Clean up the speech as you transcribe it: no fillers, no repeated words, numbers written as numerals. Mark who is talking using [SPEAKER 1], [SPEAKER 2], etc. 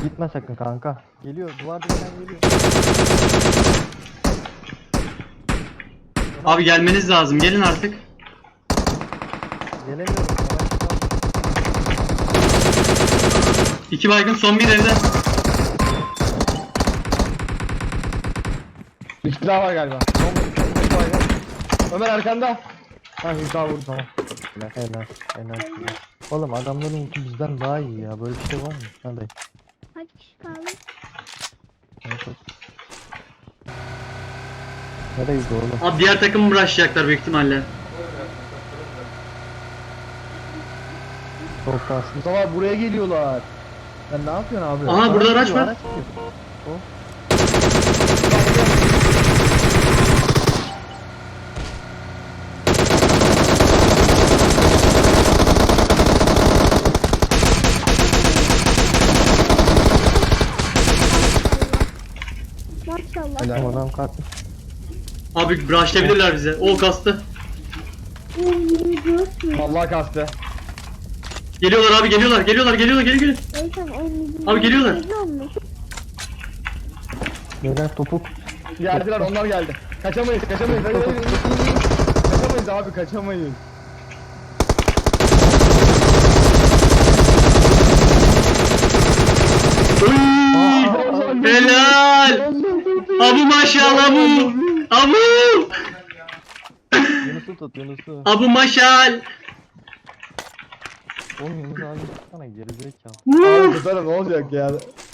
[SPEAKER 1] Gitme sakın kanka. Geliyor, duvar dibiden geliyor.
[SPEAKER 2] Abi gelmeniz lazım. Gelin artık.
[SPEAKER 1] Gelemiyorum.
[SPEAKER 2] İki baygın, son bir evde.
[SPEAKER 3] Bir kişi daha var galiba. Ömer arkanda. Ha bir daha vurdu tamam.
[SPEAKER 1] Helal. Oğlum adamların ulti bizden daha iyi ya. Böyle bir şey var mı? Hadi.
[SPEAKER 4] Kaç kişi kaldı?
[SPEAKER 1] Nereye gidiyor oğlum?
[SPEAKER 2] Abi diğer takımı rushlayacaklar büyük ihtimalle.
[SPEAKER 1] Çok şanslı.
[SPEAKER 3] Mustafa buraya geliyorlar. Sen ne yapıyorsun abi?
[SPEAKER 2] Aha burada araç
[SPEAKER 1] gidiyor,
[SPEAKER 2] var.
[SPEAKER 1] gidiyor. O.
[SPEAKER 4] Maşallah.
[SPEAKER 3] Helal.
[SPEAKER 1] Adam kalkmış.
[SPEAKER 2] Abi rushlayabilirler bize. O kastı.
[SPEAKER 3] Vallahi kastı.
[SPEAKER 2] Geliyorlar abi, geliyorlar. Geliyor. Abi geliyorlar.
[SPEAKER 1] Neden topuk?
[SPEAKER 3] Geldiler onlar geldi. Kaçamayız. Hayır. Kaçamayız abi kaçamayız.
[SPEAKER 2] Helal. Abu maşallah abu. Abu.
[SPEAKER 1] Yunus'u tut Yunus'u.
[SPEAKER 2] Abu maşal.
[SPEAKER 1] Oğlum Yunus abi tutsana gerizekalı.
[SPEAKER 3] Abi tutarım ne olacak ya.